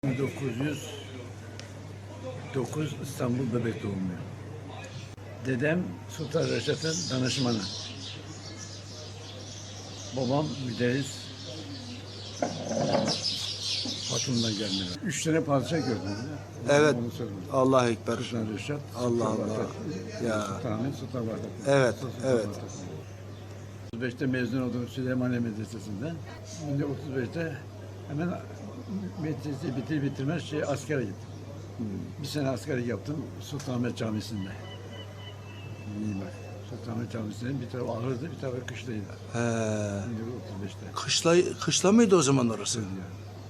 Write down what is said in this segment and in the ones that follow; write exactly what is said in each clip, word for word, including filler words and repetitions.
bin dokuz yüz dokuz İstanbul Bebek doğumlu. Dedem Sultan Reşat'ın danışmanı. Babam müderris. Hatun'dan gelmeler. Üç tane padişah gördüm. Evet. Onu söyledim. Allah ekber. Sultan Reşat, Allah Sultan Allah. Vahdettin, Ya. Sultan Ahmet, Sultan Vahdettin. Evet, Sultan evet. Vahdettin. otuz beşte mezun oldum Süleymaniye Medresesi'nden. bin dokuz yüz otuz beşte hemen medreseyi bitir bitirmez şey askere gittim. Bir sene askerlik yaptım Sultanahmet Camisi'nde. İyi bak. Sultanahmet Camisi'nin bir tarafı ağırdı, bir tarafı kışlaydı. He. bin dokuz yüz otuz beşte. Kışla, kışla mıydı o zaman orası? Yani.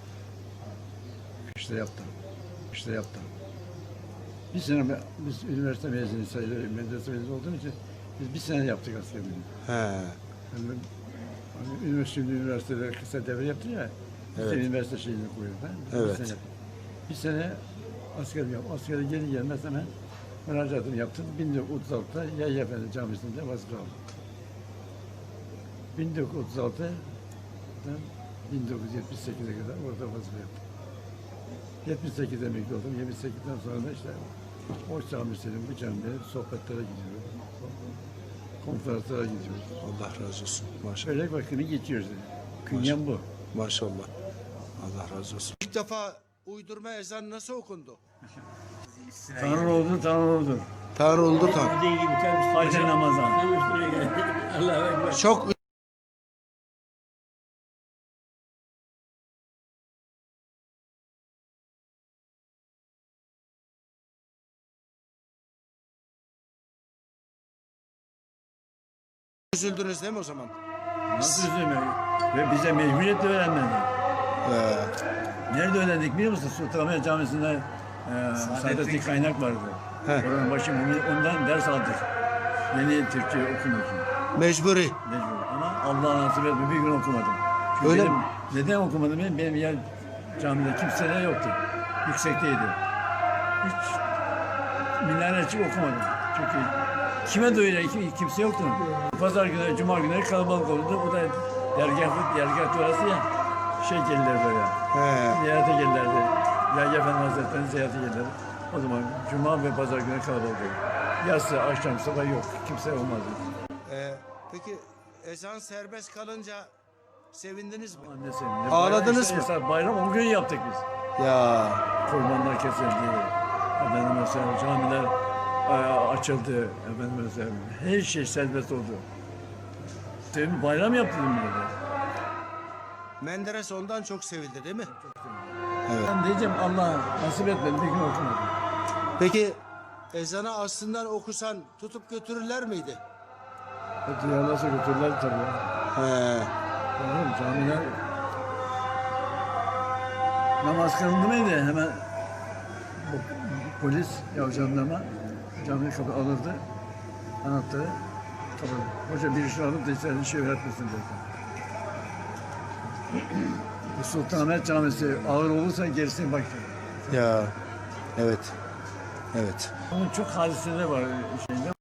Kışla yaptım. Kışla yaptım. Bir sene be- biz üniversite mezunu sayılır, medrese mezunu olduğum için biz bir sene yaptık askerliğini. He. Yani, hani üniversite, şimdi üniversitede kısa devre yaptı ya, bir Evet. sene üniversite şeyini koyuyor. Ben, Evet. Bir sene, yaptım. bir sene askerlik yaptım. Askere geri gelmez hemen müracaatımı yaptım. bin dokuz yüz otuz altıda Yahya Efendi Camisi'nde vazife aldım. bin dokuz yüz otuz altıdan bin dokuz yüz yetmiş sekize kadar orada vazife yaptım. yetmiş sekizde emekli oldum. yetmiş sekizden sonra da işte o camisinin, bu camilerin sohbetlere gidiyoruz. Konferanslara gidiyoruz. Allah razı olsun. Maşallah. Şöyle vakını geçiyoruz. Yani. Künyem bu. Maşallah. Allah razı olsun. İlk defa uydurma ezan nasıl okundu? Tanrı oldu, Tanrı oldu. Tanrı oldu Tanrı. Dediği gibi tabii. Hacı Ramazan. Allah'a ekber. Çok üzüldünüz değil mi o zaman? Nasıl üzülmüyor? Ve bize mecburiyetle öğrenmedi. He. Nerede öğrendik biliyor musun? Sultanahmet Camisi'nde e, Saadettin Kaynak vardı. He. Oranın başı ondan ders aldık. Yeni Türkçe okumak için. Mecburi. Mecbur. Ama Allah nasip etme bir gün okumadım. Çünkü Öyle benim, mi? neden okumadım? Benim, benim yer camide kimse de yoktu. Yüksekteydi. Hiç minare açıp okumadım. Çünkü kime doyuracak kim, kimse yoktu. Pazar günü, cuma günleri kalabalık olurdu. O da dergah, dergah orası ya. Şey gelirler böyle. He. Ziyarete gelirlerdi. Yahya Efendi Hazretleri'nin ziyarete gelirlerdi. O zaman cuma ve pazar günü kalabalık olurdu. Yatsı, akşam, sabah yok. Kimse olmazdı. Ee, peki ezan serbest kalınca sevindiniz mi? Anne senin. Ağladınız mı? Bayram, bayram o gün yaptık biz. Ya. Kurbanlar kesildi. Efendim mesela camiler e, açıldı. Efendim mesela her şey serbest oldu. Sevim bayram yaptık burada. Menderes ondan çok sevildi değil mi? Ben diyeceğim Allah nasip etmedi bir gün okumadım. Peki ezanı aslından okusan tutup götürürler miydi? Hadi yarlasa götürdüler tabii. He. Oğlum camiler namaz kılındı mıydı hemen bu, polis ya jandarma camiyi kapı alırdı anahtarı kapı. Hoca bir işi alıp da içeride şey öğretmesin dedi. Bu Sultanahmet Camisi ağır olursa gerisini bak. Ya. Evet. Evet. Onun çok hadiseleri var şeyinde.